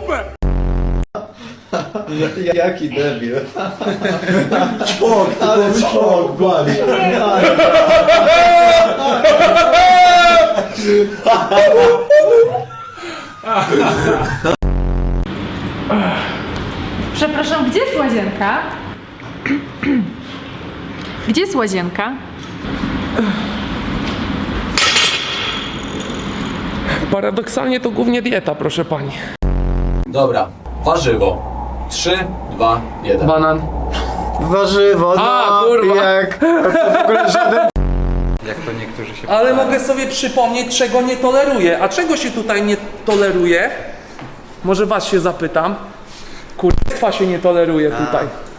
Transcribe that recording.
Jaki debil. Czwok, ale czwok, bali. Przepraszam, gdzie jest łazienka? Gdzie jest łazienka? Paradoksalnie to głównie dieta, proszę pani. Dobra, warzywo. 3, 2, 1. Banan. Warzywo, no, A, kurwa. jak w ogóle żaden... Ale mogę sobie przypomnieć, czego nie toleruję. A czego się tutaj nie toleruje? Może was się zapytam. Kurwa się nie toleruje tutaj.